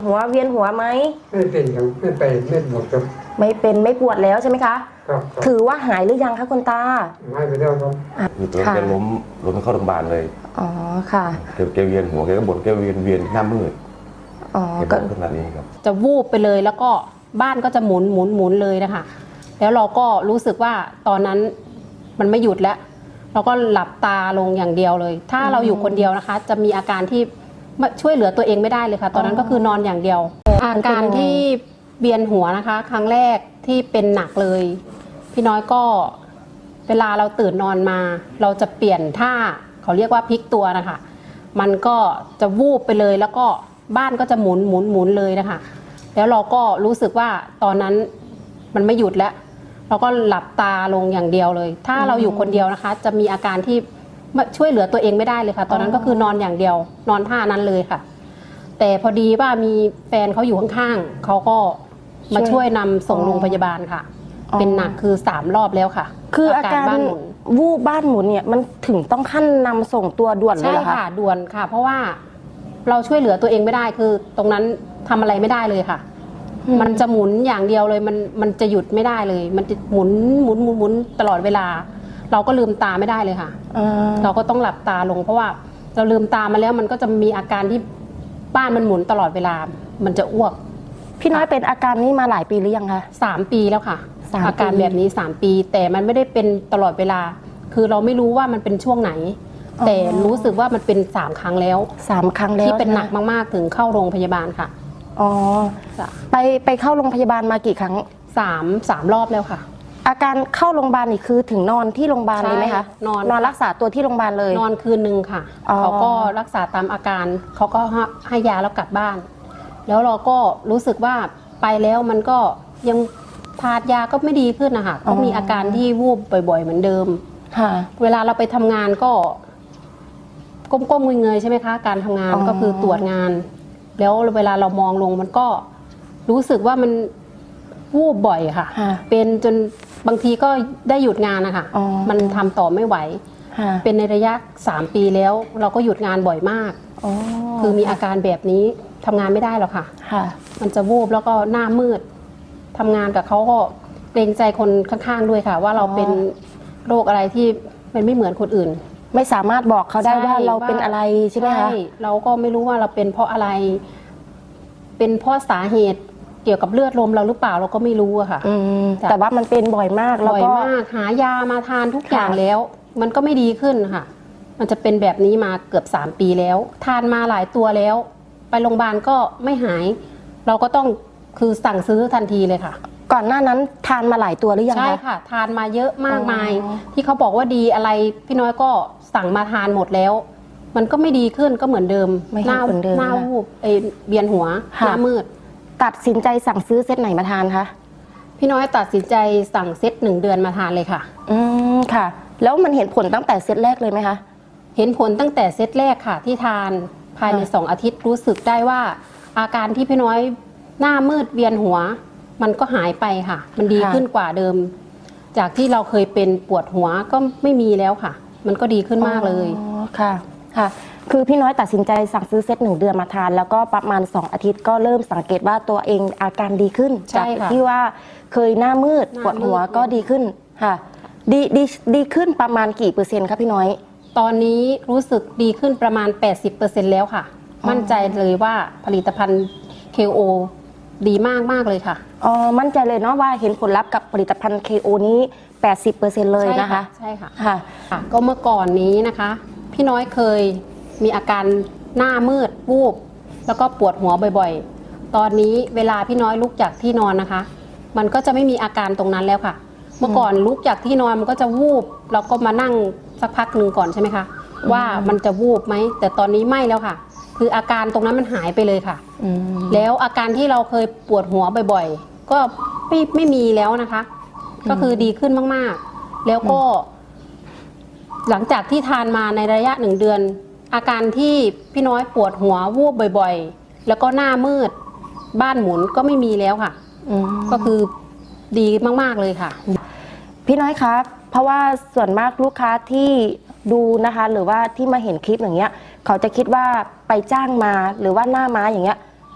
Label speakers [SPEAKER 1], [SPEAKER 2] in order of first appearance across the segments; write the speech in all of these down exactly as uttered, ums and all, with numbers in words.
[SPEAKER 1] หัวเวียนหัวไหม
[SPEAKER 2] ไม่เป็นครับไม่ไปไม่ปวดครับ
[SPEAKER 1] ไม่เป็นไม่ปวดแล้วใช่ไหมคะ
[SPEAKER 2] ครับ
[SPEAKER 1] ถือว่าหายหรือยังคะคุณตา
[SPEAKER 2] หายไปแล้วครับ
[SPEAKER 3] คือตัวแกล้มล้มเข้าโรงพยาบาลเลย
[SPEAKER 1] อ๋อค่ะ
[SPEAKER 3] แกแกเวียนหัวแกก็บ่นแกเวียนเวียนหน้ามืด
[SPEAKER 1] อ๋อ
[SPEAKER 3] ก็ขนาดนี้ครับ
[SPEAKER 4] จะวูบไปเลยแล้วก็บ้านก็จะหมุนหมุนหมุนเลยนะคะแล้วเราก็รู้สึกว่าตอนนั้นมันไม่หยุดแล้วเราก็หลับตาลงอย่างเดียวเลยถ้าเราอยู่คนเดียวนะคะจะมีอาการที่ช่วยเหลือตัวเองไม่ได้เลยค่ะตอนนั้นก็คือนอนอย่างเดียวอาการที่เวียนหัวนะคะครั้งแรกที่เป็นหนักเลยพี่น้อยก็เวลาเราตื่นนอนมาเราจะเปลี่ยนท่าเขาเรียกว่าพลิกตัวนะคะมันก็จะวูบไปเลยแล้วก็บ้านก็จะหมุนหมุนหมุนเลยนะคะแล้วเราก็รู้สึกว่าตอนนั้นมันไม่หยุดแล้วเราก็หลับตาลงอย่างเดียวเลยถ้าเราอยู่คนเดียวนะคะจะมีอาการที่ช่วยเหลือตัวเองไม่ได้เลยค่ะตอนนั้นก็คือนอนอย่างเดียวนอนท่านั้นเลยค่ะแต่พอดีว่ามีแฟนเขาอยู่ข้างๆเขาก็มาช่วยนำส่งโรงพยาบาลค่ะเป็นหนักคือสามรอบแล้วค่ะ
[SPEAKER 1] คืออาการบ้านหมุนวูบบ้านหมุนเนี่ยมันถึงต้องขั้นนำส่งตัวด่วนเลยเหรอคะ
[SPEAKER 4] ใช่ค่ะด่วนค่ะเพราะว่าเราช่วยเหลือตัวเองไม่ได้คือตรงนั้นทำอะไรไม่ได้เลยค่ะมันจะหมุนอย่างเดียวเลยมันมันจะหยุดไม่ได้เลยมันจะหมุนหมุนหมุนหมุนตลอดเวลาเราก็ลืมตาไม่ได้เลยค่ะเราก็ต้องหลับตาลงเพราะว่าเราลืมตามาแล้วมันก็จะมีอาการที่บ้านมันหมุนตลอดเวลามันจะอ้วก
[SPEAKER 1] พี่น้อยเป็นอาการนี้มาหลายปีหรือยังคะ
[SPEAKER 4] สามปีแล้วค่ะอาการแบบนี้สามปีแต่มันไม่ได้เป็นตลอดเวลาคือเราไม่รู้ว่ามันเป็นช่วงไหนแต่รู้สึกว่ามันเป็นสามครั้งแล้ว
[SPEAKER 1] สามครั้งแล้ว
[SPEAKER 4] ที่เป็นหนักมากๆถึงเข้าโรงพยาบาลค่ะ
[SPEAKER 1] อ๋อไปไปเข้าโรงพยาบาลมากี่ครั้ง
[SPEAKER 4] สามสามรอบแล้วค่ะ
[SPEAKER 1] อาการเข้าโรงพยาบาลนี่คือถึงนอนที่โรงพยาบาลเลยไหมคะ
[SPEAKER 4] นอน
[SPEAKER 1] นอนรักษาตัวที่โรงพยาบาลเลย
[SPEAKER 4] นอนคืนหนึ่งค่ะเขาก็รักษาตามอาการเขาก็ให้ยาแล้วกลับบ้านแล้วเราก็รู้สึกว่าไปแล้วมันก็ยังทานยาก็ไม่ดีขึ้นนะคะก็มีอาการที่วูบบ่อยๆเหมือนเดิมเวลาเราไปทำงานก็ก้มๆเงยๆใช่ไหมคะการทำงานก็คือตรวจงานแล้วเวลาเรามองลงมันก็รู้สึกว่ามันวูบบ่อยค่ะเป็นจนบางทีก็ได้หยุดงานนะคะมันทำต่อไม่ไหวเป็นในระยะสามปีแล้วเราก็หยุดงานบ่อยมากคือมีอาการแบบนี้ทำงานไม่ได้หรอกค่ะมันจะวูบแล้วก็หน้ามืดทำงานกับเขาก็เกรงใจคนข้างๆด้วยค่ะว่าเราเป็นโรคอะไรที่มันไม่เหมือนคนอื่น
[SPEAKER 1] ไม่สามารถบอกเขาได้ว่าเราเป็นอะไรใช่ไหมคะ
[SPEAKER 4] เราก็ไม่รู้ว่าเราเป็นเพราะอะไรเป็นเพราะสาเหตุเกี่ยวกับเลือดลมเราหรือเปล่าเราก็ไม่รู้อะค่ะ
[SPEAKER 1] แต่ว่ามันเป็นบ่อยมาก
[SPEAKER 4] บ่อยมากหายามาทานทุกอย่างแล้วมันก็ไม่ดีขึ้นค่ะมันจะเป็นแบบนี้มาเกือบสามปีแล้วทานมาหลายตัวแล้วไปโรงพยาบาลก็ไม่หายเราก็ต้องคือสั่งซื้อทันทีเลยค่ะ
[SPEAKER 1] ก่อนหน้านั้นทานมาหลายตัวหรือยังคะ
[SPEAKER 4] ใช่ค่ะทานมาเยอะมากมายที่เขาบอกว่าดีอะไรพี่น้อยก็สั่งมาทานหมดแล้วมันก็ไม่ดีขึ้นก็เหมือนเดิม
[SPEAKER 1] หน้า
[SPEAKER 4] หน้าวูบเอเบียนหัวหน้ามืด
[SPEAKER 1] ตัดสินใจสั่งซื้อเซตไหนมาทานคะ
[SPEAKER 4] พี่น้อยตัดสินใจสั่งเซตหนึ่งเดือนมาทานเลยค่ะ
[SPEAKER 1] อืมค่ะแล้วมันเห็นผลตั้งแต่เซตแรกเลยไหมคะ
[SPEAKER 4] เห็นผลตั้งแต่เซตแรกค่ะที่ทานภายในสองอาทิตย์รู้สึกได้ว่าอาการที่พี่น้อยหน้ามืดเวียนหัวมันก็หายไปค่ะมันดีขึ้นกว่าเดิมจากที่เราเคยเป็นปวดหัวก็ไม่มีแล้วค่ะมันก็ดีขึ้นมากเลย
[SPEAKER 1] อ๋อค่ะค่ะคือพี่น้อยตัดสินใจสั่งซื้อเซตหนึ่งเดือนมาทานแล้วก็ประมาณสองอาทิตย์ก็เริ่มสังเกตว่าตัวเองอาการดีขึ้นจากที่ว่าเคยหน้ามืดปวดหัวก็ดีขึ้นค่ะดีดีดีขึ้นประมาณกี่เปอร์เซ็นต์คะพี่น้อย
[SPEAKER 4] ตอนนี้รู้สึกดีขึ้นประมาณ แปดสิบเปอร์เซ็นต์ แล้วค่ะมั่นใจเลยว่าผลิตภัณฑ์ เค โอ ดีมากมากเลยค่ะ
[SPEAKER 1] อ๋อมั่นใจเลยเนาะว่าเห็นผลลัพธ์กับผลิตภัณฑ์ เค โอ นี้ แปดสิบเปอร์เซ็นต์ เลยนะคะ
[SPEAKER 4] ใช่ค่ะค่ะก็เมื่อก่อนนี้นะคะพี่น้อยเคยมีอาการหน้ามืดวูบแล้วก็ปวดหัวบ่อยๆตอนนี้เวลาพี่น้อยลุกจากที่นอนนะคะมันก็จะไม่มีอาการตรงนั้นแล้วค่ะเมื่อก่อนลุกจากที่นอนมันก็จะวูบแล้วก็มานั่งสักพักหนึ่งก่อนใช่ไหมคะว่ามันจะวูบไหมแต่ตอนนี้ไม่แล้วค่ะคืออาการตรงนั้นมันหายไปเลยค่ะแล้วอาการที่เราเคยปวดหัวบ่อยๆก็ไม่ไม่มีแล้วนะคะก็คือดีขึ้นมากๆแล้วก็หลังจากที่ทานมาในระยะหนึ่งเดือนอาการที่พี่น้อยปวดหัววูบบ่อยๆแล้วก็หน้ามืดบ้านหมุนก็ไม่มีแล้วค่ะก็คือดีมากๆเลยค่ะ
[SPEAKER 1] พี่น้อยครับเพราะว่าส่วนมากลูกค้าที่ดูนะคะหรือว่าที่มาเห็นคลิปอย่างเงี้ยเขาจะคิดว่าไปจ้างมาหรือว่าหน้าม้าอย่างเงี้ย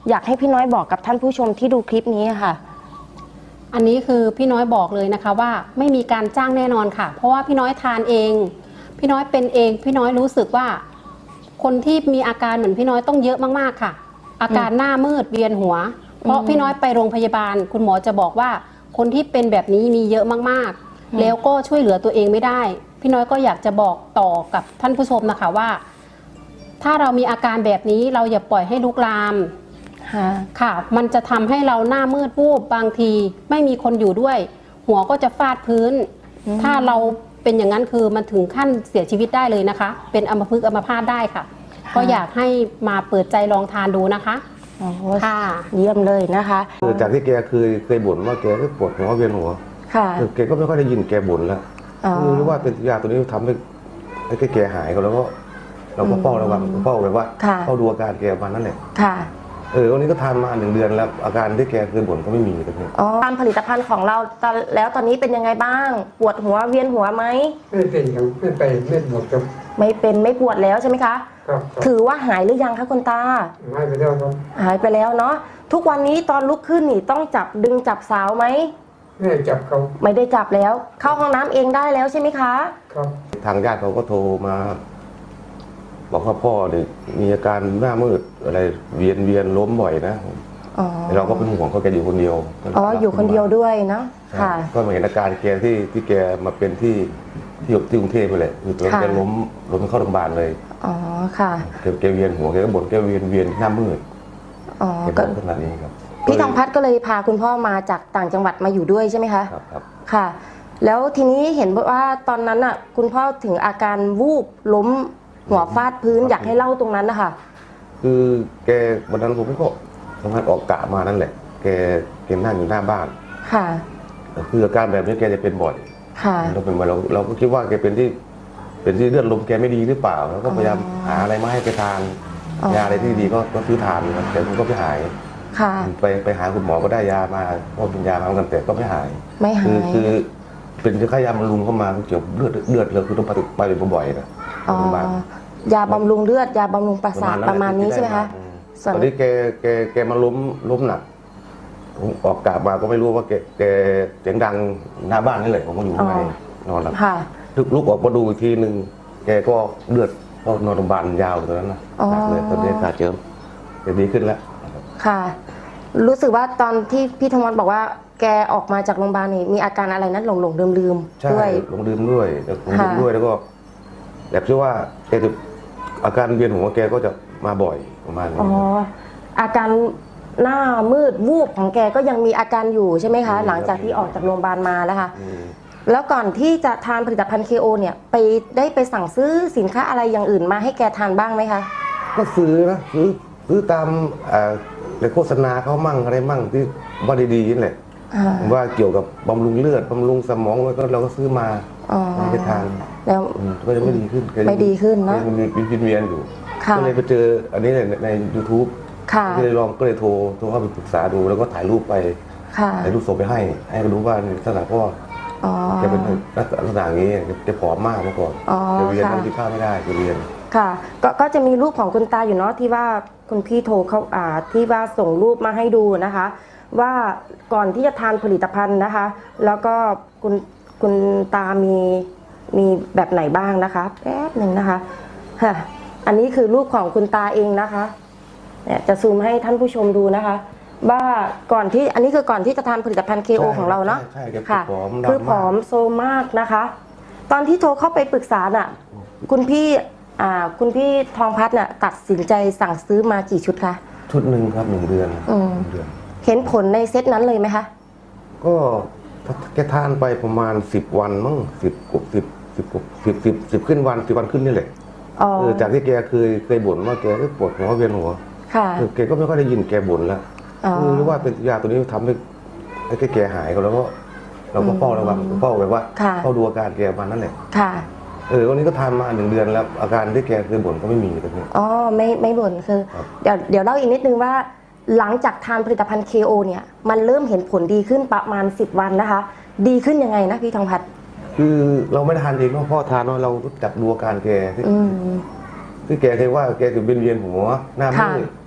[SPEAKER 1] อยากให้พี่น้อยบอกกับท่านผู้ชมที่ดูคลิปนี้ค่ะ
[SPEAKER 4] อันนี้คือพี่น้อยบอกเลยนะคะว่าไม่มีการจ้างแน่นอนค่ะ เพราะว่าพี่น้อยทานเอง พี่น้อยเป็นเองพี่น้อยรู้สึกว่า คนที่มีอาการเหมือนพี่น้อยต้องเยอะมากๆค่ะ อาการหน้ามืดเวียนหัว เพราะพี่น้อยไปโรงพยาบาล คุณหมอจะบอกว่าคนที่เป็นแบบนี้มีเยอะมากๆ แล้วก็ช่วยเหลือตัวเองไม่ได้ พี่น้อยก็อยากจะบอกต่อกับท่านผู้ชมนะคะว่า ถ้าเรามีอาการแบบนี้เราอย่าปล่อยให้ลุกลาม
[SPEAKER 1] ค่ะ
[SPEAKER 4] ค่ะ มันจะทำให้เราหน้ามืดวูบบางทีไม่มีคนอยู่ด้วย หัวก็จะฟาดพื้น ถ้าเราเป็นอย่างนั้นคือมันถึงขั้นเสียชีวิตได้เลยนะคะ เป็นอัมพฤกษ์อัมพาตได้ค่ะ ก็อยากให้มาเปิดใจลองทานดูนะคะ
[SPEAKER 1] โอ้โห
[SPEAKER 4] ค่ะ
[SPEAKER 1] เยี่ยมเลยนะคะ
[SPEAKER 3] คือจากที่แกเคยเคยบ่นว่าแกก็ปวดหัวเวียนหัว
[SPEAKER 1] ค่ะ
[SPEAKER 3] คือแกก็ไม่ค่อยได้ยินแกบ่นแล้ว
[SPEAKER 1] อ๋อ
[SPEAKER 3] คือรู้ว่าเป็นยาตัวนี้ทำให้ให้แกหายก็แล้วก็เราก็เฝ้าระวังเฝ้าแบบว่า
[SPEAKER 1] ค่ะ
[SPEAKER 3] เฝ้าดูอาการแกประมาณนั้นแหละ
[SPEAKER 1] ค่ะ
[SPEAKER 3] เออวันนี้ก็ทานมาหนึ่งเดือนแล้วอาการที่แกเคยบ่นก็ไม่มีตรงนี้
[SPEAKER 1] อ๋อตามผลิตภัณฑ์ของเราตอนแล้วตอนนี้เป็นยังไงบ้าง ปวดหัวเวียนหัวไหม
[SPEAKER 2] ไม่เป็นอย่างไม่ไปไม่หมดครับ
[SPEAKER 1] ไม่เป็นไม่ปวดแล้วใช่ไหมคะ
[SPEAKER 2] ครับครับ
[SPEAKER 1] ถือว่าหายหรือยังคะคุณตา
[SPEAKER 2] หายไปแล้วครับ
[SPEAKER 1] หายไปแล้วเนาะ ทุกวันนี้ตอนลุกขึ้นนี่ต้องจับดึงจับสาวไหม
[SPEAKER 2] แม่จับเขา
[SPEAKER 1] ไม่ได้จับแล้ว เข้าห้องน้ำเองได้แล้วใช่ไหมคะ
[SPEAKER 2] ครับ
[SPEAKER 3] ทางญาติเขาก็โทรมา บอกว่าพ่อเนี่ยมีอาการหน้ามืดอะไรเวียนเวียนล้มบ่อยนะ
[SPEAKER 1] อ๋อ
[SPEAKER 3] เราก็เป็นห่วงเขาแกอยู่คนเดียว
[SPEAKER 1] อ๋อ อยู่คนเดียวด้วยเนาะ
[SPEAKER 3] ใช่
[SPEAKER 1] ค่ะ
[SPEAKER 3] ก็มาเห็นอาการแกที่ที่แกมาเป็นที่ที่ที่กรุงเทพไปแหละคือตัว
[SPEAKER 1] ค่ะ
[SPEAKER 3] แกล้มล้มเข้าโรงพยาบาลเลย
[SPEAKER 1] อ๋อ ค่ะ
[SPEAKER 3] แกแกเวียนหัวแกก็บ่นแกเวียนเวียนหน้ามืด
[SPEAKER 1] อ๋อ
[SPEAKER 3] แกบ
[SPEAKER 1] ก็
[SPEAKER 3] อกขนาดนี้ครับ
[SPEAKER 1] พี่ทองพัฒน์ก็เลยพาคุณพ่อมาจากต่างจังหวัดมาอยู่ด้วยใช่ไหมคะ
[SPEAKER 3] ครับครับ
[SPEAKER 1] ค่ะ แล้วทีนี้เห็นว่าตอนนั้นอ่ะคุณพ่อถึงอาการวูบล้มหัวฟาดพื้นอยากให้เล่าตรงนั้นนะคะ
[SPEAKER 3] คือแกวันนั้นผมก็ทำงานออกกะมานั่นแหละ แกแกนั่งอยู่หน้าบ้าน
[SPEAKER 1] ค่ะ
[SPEAKER 3] คืออาการแบบนี้แกจะเป็นบ่อย
[SPEAKER 1] ค่ะ
[SPEAKER 3] เราเป็นบ่อยเราเราก็คิดว่าแกเป็นที่เป็นที่เลือดลมแกไม่ดีหรือเปล่าแล้วก็พยายามหาอะไรมาให้แกทาน
[SPEAKER 1] อ๋อ
[SPEAKER 3] ยาอะไรที่ดีก็ก็ซื้อทานครับแต่มันก็ไม่หาย
[SPEAKER 1] ค่ะ
[SPEAKER 3] ไปไปหาคุณหมอก็ได้ยามาก็เป็นยามาเหมือนกันแต่ก็ไม่หาย
[SPEAKER 1] ไม่หา
[SPEAKER 3] คือย คือเป็นค่ายาบำรุงเข้ามาเกี่ยวกับเลือดเลือดเลยคือต้องไปไปบ่อยๆนะ
[SPEAKER 1] อ๋อ
[SPEAKER 3] โรงพยาบาล
[SPEAKER 1] ยาบำรุงเลือด ยาบำรุงประสาทประมาณนี้ใช่ไหมคะ
[SPEAKER 3] อืม
[SPEAKER 1] ส่วน
[SPEAKER 3] ตอนนี้แกแกแกมาล้มล้มหนักผมออกกลับมาก็ไม่รู้ว่าแกแกเสียงดังหน้าบ้านนี่เลยผมก็อยู่ข้างในนอนหลับ
[SPEAKER 1] ค่ะ
[SPEAKER 3] ลุกลุกออกมาดูอีกทีหนึ่งแกก็เลือดก็นอนโรงพยาบาลยาวเลยตอนนั้นนะ
[SPEAKER 1] อ๋อ
[SPEAKER 3] หนักเลยตอนนี้ขาเจิมแกดีขึ้นแล้ว
[SPEAKER 1] ค่ะ รู้สึกว่าตอนที่พี่ธมรบอกว่าแกออกมาจากโรงพยาบาลนี่มีอาการอะไรนั้นหลงหลงลืมลืมๆ
[SPEAKER 3] ใช่
[SPEAKER 1] ด้วย
[SPEAKER 3] ลงดื่มด้วยแล้วลงดื่ม
[SPEAKER 1] ค่ะ
[SPEAKER 3] ด้วยแล้วก็แบบที่ว่าแกจะอาการเวียนหัวแกก็จะมาบ่อยประมาณนี้
[SPEAKER 1] อ๋อ อาการหน้ามืดวูบของแกก็ยังมีอาการอยู่ใช่ไหมคะ หลังจากที่ออกจากโรงพยาบาลมาแล้วค่ะ
[SPEAKER 3] อืม
[SPEAKER 1] แล้วก่อนที่จะทานผลิตภัณฑ์ เค โอ เนี่ยไปได้ไปสั่งซื้อสินค้าอะไรอย่างอื่นมาให้แกทานบ้างไหมคะ
[SPEAKER 3] ก็ซื้อนะซื้อซื้อตามเอ่อในโฆษณาเขามั่งอะไรมั่งที่ว่าดีๆนี่แหละ
[SPEAKER 1] อ่า
[SPEAKER 3] ว่าเกี่ยวกับบำรุงเลือดบำรุงสมองแล้วก็เราก็ซื้อมา
[SPEAKER 1] อ๋อ
[SPEAKER 3] ให้แกทาน
[SPEAKER 1] แล้ว
[SPEAKER 3] อืมก็จะไม่ดีขึ้นแกยัง
[SPEAKER 1] ไม่ดีขึ้นเนอะ
[SPEAKER 3] ยังมีวินเวียนอยู่
[SPEAKER 1] ค่ะ
[SPEAKER 3] ก็เลยไปเจออันนี้ในในยูทูบ
[SPEAKER 1] ค่ะ
[SPEAKER 3] ก็เลยลองก็เลยโทรโทรเข้าไปปรึกษาดูแล้วก็ถ่ายรูปไป
[SPEAKER 1] ค่ะ
[SPEAKER 3] ถ่ายรูปส่งไปให้ ให้เขารู้ว่าลักษณะพ่อ
[SPEAKER 1] อ๋อ
[SPEAKER 3] แกเป็นลักษณะอย่างนี้แกผอมมากเมื่อก่อน
[SPEAKER 1] อ๋อ
[SPEAKER 3] แกเวียน
[SPEAKER 1] ค่ะ
[SPEAKER 3] นั่งกินข้าวไม่ได้แกเวียน
[SPEAKER 1] ค่ะก็ก็จะมีรูปของคุณตาอยู่เนาะที่ว่าคุณพี่โทรเขาอ่าที่ว่าส่งรูปมาให้ดูนะคะ ว่าก่อนที่จะทานผลิตภัณฑ์นะคะ แล้วก็คุณคุณตามีมีแบบไหนบ้างนะคะแป๊บหนึ่งนะคะค่ะอันนี้คือรูปของคุณตาเองนะคะเนี่ยจะซูมให้ท่านผู้ชมดูนะคะ ว่าก่อนที่อันนี้คือก่อนที่จะทานผลิตภัณฑ์ เค โอ
[SPEAKER 3] ใช่
[SPEAKER 1] ของเราเนาะ
[SPEAKER 3] ใช่ใช่แก
[SPEAKER 1] ค่ะ
[SPEAKER 3] ผอมดำมาก
[SPEAKER 1] คือผอมโซมมากนะคะ ตอนที่โทรเข้าไปปรึกษาน่ะ คุณพี่อ่าคุณพี่ทองพัฒน์น่ะตัดสินใจสั่งซื้อมากี่ชุดคะ
[SPEAKER 3] ชุดหนึ่งครับหนึ่งเดือน
[SPEAKER 1] อืม
[SPEAKER 3] หนึ่งเดือน
[SPEAKER 1] เห็นผลในเซตนั้นเลยไหมคะ
[SPEAKER 3] ก็แกทานไปประมาณสิบวันมั้งสิบกว่าสิบสิบกว่าสิบสิบสิบขึ้นวันสิบวันขึ้นนี่แหละ
[SPEAKER 1] อ๋อ
[SPEAKER 3] เออจากที่แกเคยเคยบ่นว่าแกก็ปวดหัวเวียนหัว
[SPEAKER 1] ค่ะ
[SPEAKER 3] เออแกก็ไม่ค่อยได้ยินแกบ่นแล้ว
[SPEAKER 1] อ๋อ
[SPEAKER 3] คือรู้ว่าเป็นยาตัวนี้ทำให้ให้แกหายก็แล้วก็เราก็เฝ้าระวังเฝ้าแบบว่า
[SPEAKER 1] ค่ะ
[SPEAKER 3] เฝ้าดูอาการแกประมาณนั่นแหละ
[SPEAKER 1] ค่ะ
[SPEAKER 3] เออวันนี้ก็ทานมาหนึ่งเดือนแล้วอาการที่แกเคยบ่นก็ไม่มีตรงนี้
[SPEAKER 1] อ๋อไม่ไม่บ่นคือ
[SPEAKER 3] ครับ
[SPEAKER 1] เดี๋ยวเดี๋ยวเล่าอีกนิดนึงว่า หลังจากทานผลิตภัณฑ์ เค โอ เนี่ยมันเริ่มเห็นผลดีขึ้นประมาณสิบวันนะคะ ดีขึ้นยังไงนะพี่ทองพัฒน์
[SPEAKER 3] คือเราไม่ได้ทานเองเนาะพ่อทานเนาะเรารู้จักดูอาการแกที่
[SPEAKER 1] อืม
[SPEAKER 3] ที่แกเคยว่าแกจะเวียนเวียนหัวหน้ามื
[SPEAKER 1] ค่ะ
[SPEAKER 3] ด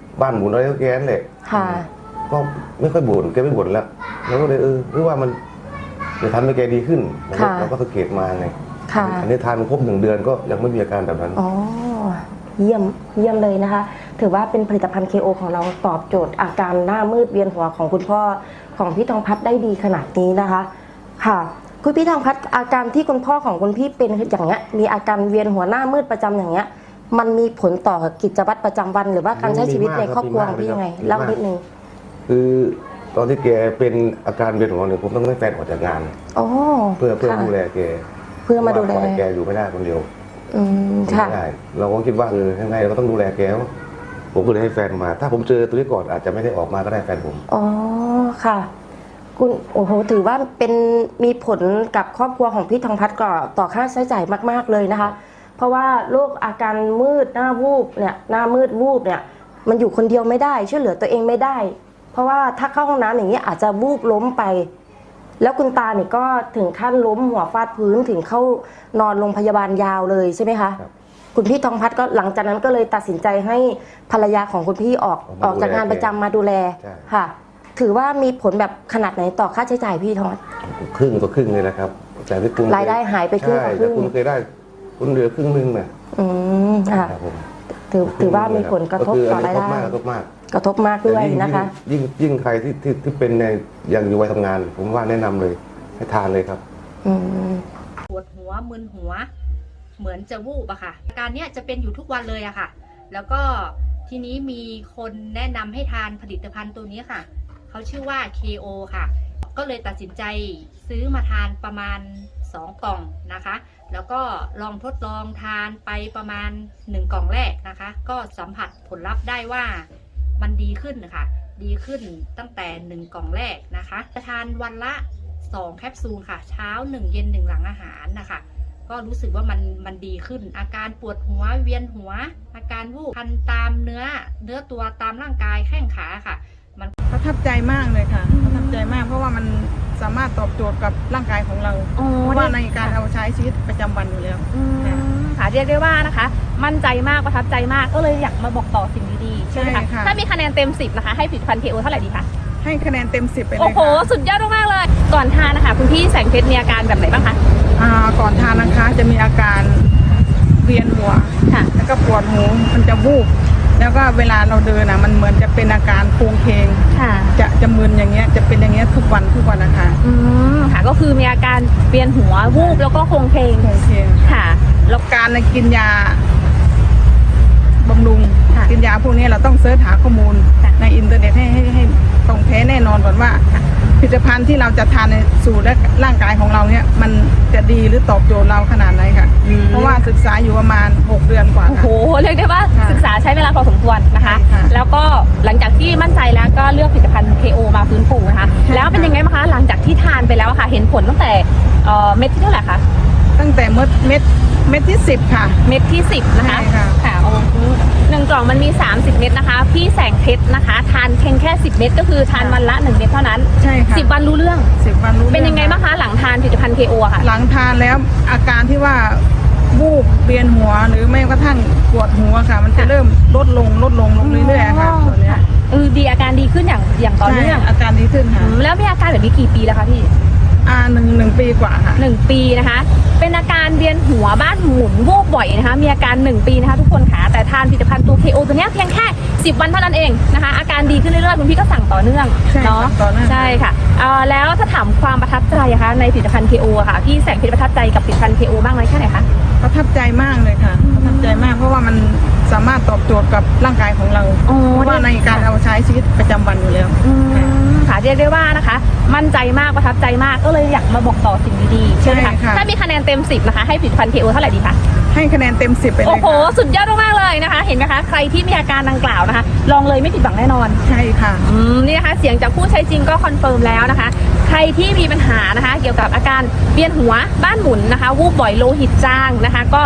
[SPEAKER 3] บ้านหมุนอะไรก็แกนั่นแหละ
[SPEAKER 1] ค่ะ
[SPEAKER 3] ก็ไม่ค่อยบ่นแกไม่บ่นแล้วเราก็เลยเออหรือว่ามันจะทำให้แกดีขึ้นเราก็
[SPEAKER 1] ค่ะ
[SPEAKER 3] เราก็สังเกตมาไง
[SPEAKER 1] ค่ะ
[SPEAKER 3] อันนี้ทานครบหนึ่งเดือนก็ยังไม่มีอาการแบบนั้น
[SPEAKER 1] อ๋อ เยี่ยม เยี่ยมเลยนะคะ ถือว่าเป็นผลิตภัณฑ์ เค โอ ของเราตอบโจทย์อาการหน้ามืดเวียนหัวของคุณพ่อของพี่ทองพัฒน์ได้ดีขนาดนี้นะคะ ค่ะ คุณพี่ทองพัฒน์อาการที่คุณพ่อของคุณพี่เป็นอย่างเงี้ย มีอาการเวียนหัวหน้ามืดประจำอย่างเงี้ย มันมีผลต่อกิจวัตรประจำวัน หรือว่าการใช้ชีวิตในครอบครัวของพี่ยังไง เล่านิดนึง
[SPEAKER 3] คือตอนที่แกเป็นอาการเวียนหัวเนี่ยผมต้องให้แฟนออกจากงาน
[SPEAKER 1] อ๋อ
[SPEAKER 3] เพื่อเพื่อ
[SPEAKER 1] ค่ะ
[SPEAKER 3] ดูแลแก
[SPEAKER 1] เพื่อมาดูแล
[SPEAKER 3] เพระว่ปอยแกอยู่ไม่ได้คนเดียว
[SPEAKER 1] อืม ค่ะ
[SPEAKER 3] ไม่ได้เราก็คิดว่าเออยังไงเราก็ต้องดูแลแกผมก็เลยให้แฟนมา ถ้าผมเจอตัวนี้ก่อนอาจจะไม่ได้ออกมาก็ได้แฟนผม
[SPEAKER 1] อ๋อ ค่ะ คุณโอ้โห ถือว่าเป็นมีผลกับครอบครัวของพี่ทองพัฒน์ก่อต่อค่าใช้จ่ายมาก ๆ เลยนะคะ เพราะว่าโรคอาการมืดหน้าวูบเนี่ย หน้ามืดวูบเนี่ย มันอยู่คนเดียวไม่ได้ ช่วยเหลือตัวเองไม่ได้ เพราะว่าถ้าเข้าห้องน้ำอย่างนี้อาจจะวูบล้มไป แล้วคุณตาเนี่ยก็ถึงขั้นล้มหัวฟาดพื้นถึงเข้านอนโรงพยาบาลยาวเลยใช่ไหมคะ
[SPEAKER 3] ครับ
[SPEAKER 1] คุณพี่ทองพัฒน์ก็หลังจากนั้นก็เลยตัดสินใจให้ภรรยาของคุณพี่ออกออกจากงานประจำมาดูแล
[SPEAKER 3] ใช่
[SPEAKER 1] ค่ะ ถือว่ามีผลแบบขนาดไหนต่อค่าใช้จ่ายพี่ทองพัฒน์
[SPEAKER 3] ครึ่งต่อครึ่งเลยนะครับแต่ที่คุณ
[SPEAKER 1] รายได้หายไปครึ่งต่อครึ่ง
[SPEAKER 3] ใช่แต่คุณเคยได้คุณเหลือครึ่งหนึงน่ะ
[SPEAKER 1] อืมค่ะ
[SPEAKER 3] ครับผม
[SPEAKER 1] ถือถือว่ามีผลกระทบ
[SPEAKER 3] คือ
[SPEAKER 1] ต่อ
[SPEAKER 3] อัน
[SPEAKER 1] ราย
[SPEAKER 3] นี้กระทบ
[SPEAKER 1] ได้
[SPEAKER 3] มากกระทบมาก
[SPEAKER 1] กระทบมากด้วย
[SPEAKER 3] แต่ง
[SPEAKER 1] นะคะ
[SPEAKER 3] ยิ่งยิ่งใครที่ที่ที่เป็นในยังอยู่วัยทำงาน ผมว่าแนะนำเลยให้ทานเลยครับ
[SPEAKER 1] อืม
[SPEAKER 5] ปวดหัวมึนหัว เหมือนจะวูบอะค่ะอาการเนี้ยจะเป็นอยู่ทุกวันเลยอะค่ะ แล้วก็ทีนี้มีคนแนะนำให้ทานผลิตภัณฑ์ตัวนี้ค่ะเขาชื่อว่า เค โอ ค่ะ ก็เลยตัดสินใจซื้อมาทานประมาณสองกล่องนะคะ แล้วก็ลองทดลองทานไปประมาณหนึ่งกล่องแรกนะคะ ก็สัมผัสผลลัพธ์ได้ว่ามันดีขึ้นนะคะดีขึ้นตั้งแต่หนึ่งกล่องแรกนะคะจะทานวันละสองแคปซูลค่ะ เช้าหนึ่งเย็นหนึ่งหลังอาหารนะคะ ก็รู้สึกว่ามันมันดีขึ้น อาการปวดหัวเวียนหัว อาการวูบคันตามเนื้อเนื้อตัวตามร่างกายแข้งขาค่ะ
[SPEAKER 6] ประทับใจมากเลยค่ะประทับใจมากเพราะว่ามันสามารถตอบโจทย์กับร่างกายของเรา
[SPEAKER 7] อ๋อ
[SPEAKER 6] เพราะว่าในการเอาใช้ชีวิตประจำวันอยู่แล้ว
[SPEAKER 7] อืมค่ะเรียกได้ว่านะคะ มั่นใจมากประทับใจมากก็เลยอยากมาบอกต่อสิ่งดีๆใช่ไหม
[SPEAKER 6] ใช่
[SPEAKER 7] คะ
[SPEAKER 6] ค่ะ
[SPEAKER 7] ถ้ามีคะแนนเต็มสิบนะคะให้ผลิตภัณฑ์ เค โอ เท่าไหร่ดีคะ
[SPEAKER 6] ให้คะแนนเต็มสิบไปเลย
[SPEAKER 7] โอ้โห
[SPEAKER 6] ค่ะ
[SPEAKER 7] สุดยอดมากๆเลย ก่อนทานนะคะคุณพี่แสงเพชรมีอาการแบบไหนบ้างคะ
[SPEAKER 6] อ่าก่อนทานนะคะจะมีอาการเวียนหัว
[SPEAKER 7] ค่ะ
[SPEAKER 6] แล้วก็ปวดหูมันจะวูบแล้วก็เวลาเราเดินนะมันเหมือนจะเป็นอาการโครงเคง
[SPEAKER 7] ค่ะ
[SPEAKER 6] จะจะมึนอย่างเงี้ยจะเป็นอย่างเงี้ยทุกวันทุกวันนะคะ
[SPEAKER 7] อืมค่ะก็คือมีอาการเวียนหัววูบแล้วก็โคลงเพลง
[SPEAKER 6] โครงเคง
[SPEAKER 7] ค่ะ
[SPEAKER 6] แล้วการกินยาบำรุง
[SPEAKER 7] ค่ะ
[SPEAKER 6] กินยาพวกนี้เราต้องเสิร์ชหาข้อมูล
[SPEAKER 7] ค่ะ
[SPEAKER 6] ในอินเทอร์เน็ตให้ให้ให้ตรงแท้แน่นอนก่อนว่าผลิตภัณฑ์ที่เราจะทานในสู่และร่างกายของเราเนี่ยมันจะดีหรือตอบโจทย์เราขนาดไหนค่ะ เพราะว่าศึกษาอยู่ประมาณหกเดือนกว่า
[SPEAKER 7] โอ้โห
[SPEAKER 6] ค่ะ
[SPEAKER 7] เรียกได้ว่า
[SPEAKER 6] ค่ะ
[SPEAKER 7] ศึกษาใช้เวลาพอสมควรนะคะ
[SPEAKER 6] ใช่ค่ะ
[SPEAKER 7] แล้วก็หลังจากที่มั่นใจแล้วก็เลือกผลิตภัณฑ์ เค โอ มาฟื้นฟูนะคะ
[SPEAKER 6] ใช่ค่ะ
[SPEAKER 7] แล้วเป็นยังไงบ้างคะหลังจากที่ทานไปแล้วอะค่ะ เห็นผลตั้งแต่เอ่อเม็ดที่เท่าไหร่คะ
[SPEAKER 6] ตั้งแต่เม็ดเม็ดเม็ดที่สิบค่ะ
[SPEAKER 7] เม็ดที่สิบนะคะ
[SPEAKER 6] ใช่ค่ะ
[SPEAKER 7] ค่ะโอ้โหหนึ่งกล่องมันมีสามสิบเม็ดนะคะ พี่แสงเพชรนะคะ ทานเพียงแค่สิบเม็ดก็คือทานวันละหนึ่งเม็ดเท่านั้น
[SPEAKER 6] ใช่ค่ะ
[SPEAKER 7] สิบวันรู้เรื่อง
[SPEAKER 6] สิบวันรู้
[SPEAKER 7] เป็นยังไง
[SPEAKER 6] รื่อ
[SPEAKER 7] บ้างคะหลังทานผลิตภัณฑ์ เค โอ อะค่ะ
[SPEAKER 6] หลังทานแล้วอาการที่ว่าวูบเวียนหัวหรือไม่กระทั่งปวดหัวค่ะ มันจะเริ่มลดลงลดลงลงเรื่อยๆค่ะตัวเนี้ย
[SPEAKER 7] เออดีอาการดีขึ้นอย่างอย่างต่อ
[SPEAKER 6] ใช่
[SPEAKER 7] เนื่อง
[SPEAKER 6] อาการดีขึ้นค่ะ
[SPEAKER 7] อืมแล้วมีอาการแบบนี้กี่ปีแล้วคะพี่
[SPEAKER 6] อ่าหนึ่งหนึ่งปีกว่าค่ะ
[SPEAKER 7] หนึ่งปีนะคะ เป็นอาการเวียนหัวบ้านหมุนวูบบ่อยนะคะ มีอาการหนึ่งปีนะคะทุกคนค่ะ แต่ทานผลิตภัณฑ์ตัว เค โอ ตัวเนี้ยเพียงแค่สิบวันเท่านั้นเองนะคะ อาการดีขึ้นเรื่อยๆคุณพี่ก็สั่งต่อเนื่อง
[SPEAKER 6] ใช่
[SPEAKER 7] เนาะ
[SPEAKER 6] สั่งต่อเนื่อง
[SPEAKER 7] ใช่ค่ะเอ่อแล้วถ้าถามความประทับใจอะคะในผลิตภัณฑ์ เค โอ อะค่ะ พี่แสงเพชรประทับใจกับผลิตภัณฑ์ เค โอ บ้างไหมแค่ไหนคะ
[SPEAKER 6] ประทับใจมากเลยค่ะ ประทับใจมากเพราะว่ามันสามารถตอบโจทย์กับร่างกายของเรา
[SPEAKER 7] อ๋อ
[SPEAKER 6] เพราะว่าในการเอาใช้ชีวิตประจำวันอยู่แล้ว
[SPEAKER 7] อืมค่ะเรียกได้ว่านะคะ มั่นใจมากประทับใจมากก็เลยอยากมาบอกต่อสิ่งดีๆใช่ไหม
[SPEAKER 6] ใช่
[SPEAKER 7] คะ
[SPEAKER 6] ค่ะ
[SPEAKER 7] ถ้ามีคะแนนเต็มสิบนะคะให้ผลิตภัณฑ์ เค โอ เท่าไหร่ดีคะ
[SPEAKER 6] ให้คะแนนเต็มสิบไปเล
[SPEAKER 7] โอ้
[SPEAKER 6] ย
[SPEAKER 7] โห
[SPEAKER 6] ค่ะ
[SPEAKER 7] สุดยอดมากๆเลยนะคะ เห็นไหมคะ ใครที่มีอาการดังกล่าวนะคะ ลองเลยไม่ผิดหวังแน่นอน
[SPEAKER 6] ใช่ค่ะ
[SPEAKER 7] อืมนี่นะคะ เสียงจากผู้ใช้จริงก็คอนเฟิร์มแล้วนะคะ ใครที่มีปัญหานะคะ เกี่ยวกับอาการเวียนหัวบ้านหมุนนะคะ วูบบ่อยโลหิตจางนะคะ ก็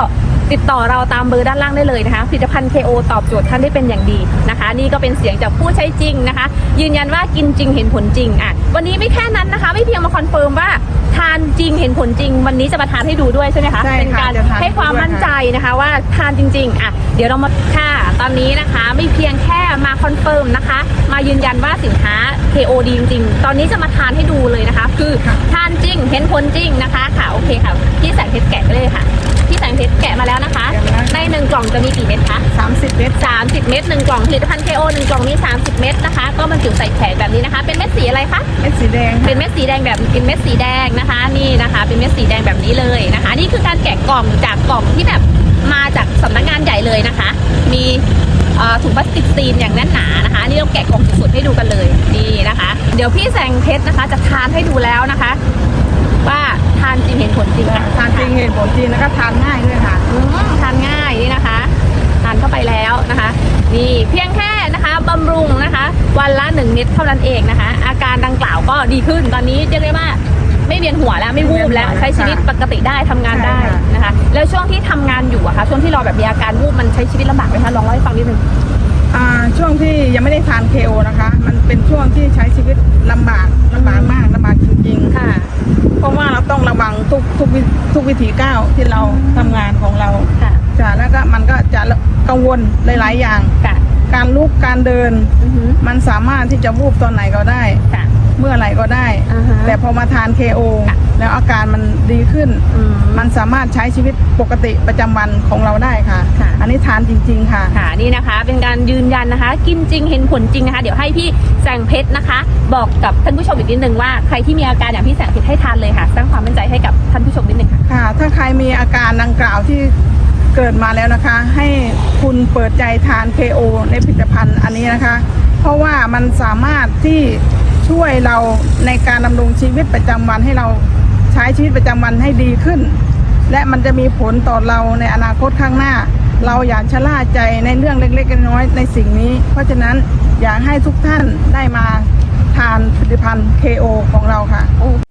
[SPEAKER 7] ติดต่อเราตามเบอร์ด้านล่างได้เลยนะคะผลิตภัณฑ์ เค โอ ตอบโจทย์ท่านได้เป็นอย่างดีนะคะ นี่ก็เป็นเสียงจากผู้ใช้จริงนะคะ ยืนยันว่ากินจริงเห็นผลจริงอ่ะวันนี้ไม่แค่นั้นนะคะ ไม่เพียงมาคอนเฟิร์มว่าทานจริงเห็นผลจริง วันนี้จะมาทานให้ดูด้วยใช่ไหมคะ
[SPEAKER 6] ใช่ค่ะ
[SPEAKER 7] เป็นการ
[SPEAKER 6] จะทาน
[SPEAKER 7] ให้ความมั่นใจนะคะว่าทานจริงๆอ่ะเดี๋ยวเรามาค่ะตอนนี้นะคะไม่เพียงแค่มาคอนเฟิร์มนะคะ มายืนยันว่าสินค้า เค โอ ดีจริงๆตอนนี้จะมาทานให้ดูเลยนะคะ คือทานจริงเห็นผลจริงนะคะค่ะโอเคค่ะพี่แสงเพชรแกะเลยค่ะพี่แสงเพชรแกะมาแล้วนะคะ ในหนึ่งกล่องจะมีกี่เม็ดคะ
[SPEAKER 6] สามสิบเมตร
[SPEAKER 7] สามสิบเม็ดหนึ่งกล่องผลิตภัณฑ์ เค โอ หนึ่งกล่องมีสามสิบเม็ดนะคะก็บรรจุใส่แผงแบบนี้นะคะ เป็นเม็ดสีอะไรคะ
[SPEAKER 6] เม็ดสีแดง
[SPEAKER 7] เป็นเม็ดสีแดงแบบเป็นเม็ดสีแดงนะคะนี่นะคะ เป็นเม็ดสีแดงแบบนี้เลยนะคะ นี่คือการแกะกล่องจากกล่องที่แบบมาจากสำนักงานใหญ่เลยนะคะ มีเอ่อถุงพลาสติกซีนอย่างแน่นหนานะคะนี่เราแกะกล่องสุดๆให้ดูกันเลยนี่นะคะ เดี๋ยวพี่แสงเพชรนะคะจะทานให้ดูแล้วนะคะ ว่าทานจริงเห็นผลจริงค่ะ
[SPEAKER 6] ทานจริงเห็นผลจริงแล้วก็ทานง่ายด้วยค่ะ
[SPEAKER 7] อืมทานง่ายนี่นะคะทานเข้าไปแล้วนะคะนี่เพียงแค่นะคะบำรุงนะคะ วันละหนึ่งเม็ดเท่านั้นเองนะคะ อาการดังกล่าวก็ดีขึ้นตอนนี้เรียกได้ว่าไม่เวียนหัวแล้วไม่วูบแล้วใช้ชีวิตปกติได้ทำงานได้นะคะ แล้วช่วงที่ทำงานอยู่อะคะช่วงที่เราแบบมีอาการวูบมันใช้ชีวิตลำบากไหมคะลองเล่าให้ฟังนิดนึง
[SPEAKER 6] อ่าช่วงที่ยังไม่ได้ทาน เค โอ นะคะ มันเป็นช่วงที่ใช้ชีวิตลำบากลำบากมากลำบากจริงๆ
[SPEAKER 7] ค่ะ
[SPEAKER 6] เพราะว่าเราต้องระวังทุกทุกวิทุกวิถีก้าวที่เราทำงานของเรา
[SPEAKER 7] ค่ะ
[SPEAKER 6] จ้ะแล้วก็มันก็จะกังวลหลายๆอย่าง
[SPEAKER 7] ค่ะ
[SPEAKER 6] การลุกการเดิน
[SPEAKER 7] อือหือ
[SPEAKER 6] มันสามารถที่จะวูบตอนไหนก็ได้
[SPEAKER 7] ค่ะ
[SPEAKER 6] เมื่อไหร่ก็ได้
[SPEAKER 7] อ่าฮะ
[SPEAKER 6] แต่พอมาทาน เค โอ
[SPEAKER 7] ค่ะ
[SPEAKER 6] แล้วอาการมันดีขึ้น
[SPEAKER 7] อืม
[SPEAKER 6] มันสามารถใช้ชีวิตปกติประจำวันของเราได้ค่ะ
[SPEAKER 7] ค่ะ
[SPEAKER 6] อันนี้ทานจริง ๆ ค่ะ
[SPEAKER 7] ค่ะนี่นะคะเป็นการยืนยันนะคะ กินจริงเห็นผลจริงนะคะ เดี๋ยวให้พี่แสงเพชรนะคะ บอกกับท่านผู้ชมอีกนิดนึงว่าใครที่มีอาการอย่างพี่แสงเพชรให้ทานเลยค่ะสร้างความมั่นใจให้กับท่านผู้ชมนิดนึงค่ะ
[SPEAKER 6] ค่ะ ถ้าใครมีอาการดังกล่าวที่เกิดมาแล้วนะคะ ให้คุณเปิดใจทาน เค โอ ในผลิตภัณฑ์อันนี้นะคะ เพราะว่ามันสามารถที่ช่วยเราในการดำรงชีวิตประจำวันให้เราใช้ชีวิตประจำวันให้ดีขึ้น และมันจะมีผลต่อเราในอนาคตข้างหน้า เราอย่าชะล่าใจในเรื่องเล็กๆน้อยๆในสิ่งนี้ เพราะฉะนั้นอยากให้ทุกท่านได้มาทานผลิตภัณฑ์ เค โอ ของเราค่ะ
[SPEAKER 7] โอเค